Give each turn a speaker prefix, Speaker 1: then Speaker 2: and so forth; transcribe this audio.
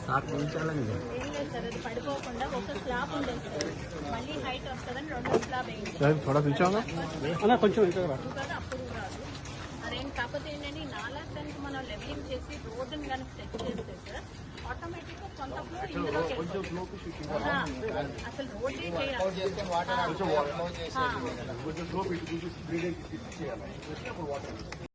Speaker 1: ఏం లేదు సార్, అది పడిపోకుండా ఒక స్లాబ్ ఉండేది సార్, మళ్ళీ హైట్ వస్తుందని రెండో స్లాబ్ వేయించాం
Speaker 2: కొంచెం
Speaker 1: కదా, అప్పుడు రాదు అదేం. కాకపోతే ఏంటంటే ఈ నాలా దానికి మనం లెవెలింగ్ చేసి రోడ్డుని కనుక సెట్ చేస్తే సార్ ఆటోమేటిక్గా కొంత ఫ్లో ఇందులోకి అసలు రోడ్డే చేయాలి.